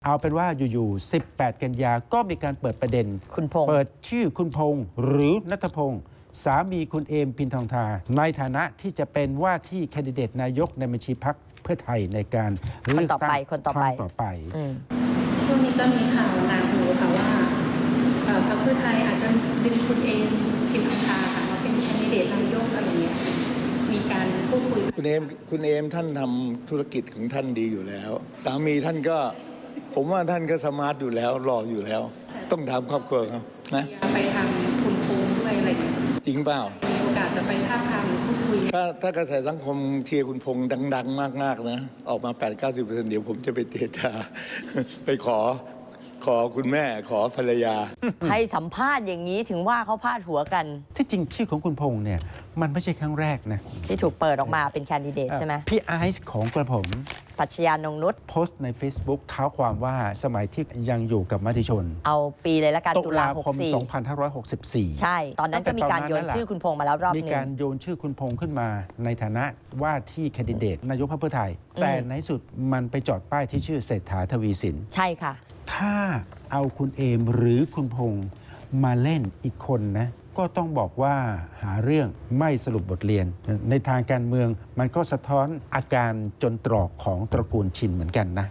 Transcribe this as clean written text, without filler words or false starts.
เอาเป็นว่าอยู่ๆ18 กันยาก็มีการเปิดประเด็นคุณพงษ์เปิดชื่อคุณพงษ์หรือณัฐพงษ์สามีคุณเอมพินทองทาในฐานะที่จะเป็นว่าที่แคนดิเดตนายกในบัญชีพรรคเพื่อไทยในการเลือกตั้งคนต่อไปครั้งต่อไปช่วงนี้ก็มีข่าวงานหูค่ะว่าพรรคเพื่อไทยอาจจะดึงคุณเอมพินทองทาค่ะมาเป็นแคนดิเดตนายกอะไรอย่างเงี้ยมีการพูดคุยคุณเอมท่านทำธุรกิจของท่านดีอยู่แล้ว สามีท่านก็ผมว่าท่านก็สมาร์ทอยู่แล้วหล่ออยู่แล้ว ต้องถามครอบครัวเขานะไปทางคุณพงษ์ด้วยอะไรอย่างเงี้ยจริงเปล่ามีโอกาสจะไปท้าบทามพูดคุยถ้ากระแสสังคมเชียร์คุณพงษ์ดังๆมากๆนะออกมา 8-90%เดี๋ยวผมจะไปเจรจา ไปขอคุณแม่ขอภรรยาให้สัมภาษณ์อย่างนี้ถึงว่าเขาพาดหัวกันที่จริงชื่อของคุณพงษ์เนี่ยมันไม่ใช่ครั้งแรกนะที่ถูกเปิดออกมาเป็นแคนดิเดตใช่ไหมพี่ไอซ์ของกระผมปรัชญานงนุชโพสต์ใน Facebook เท้าความว่าสมัยที่ยังอยู่กับมติชนเอาปีเลยละกันตุลาคม 2564 ใช่ ตอนนั้นก็มีการโยนชื่อคุณพงษ์มาแล้วรอบนึงมีการโยนชื่อคุณพงษ์ขึ้นมาในฐานะว่าที่แคนดิเดตนายกพรรคเพื่อไทยแต่ในสุดมันไปจอดป้ายที่ชื่อเศรษฐาทวีสินใช่ค่ะถ้าเอาคุณเอมหรือคุณพงษ์มาเล่นอีกคนนะก็ต้องบอกว่าหาเรื่องไม่สรุปบทเรียนในทางการเมืองมันก็สะท้อนอาการจนตรอกของตระกูลชินเหมือนกันนะ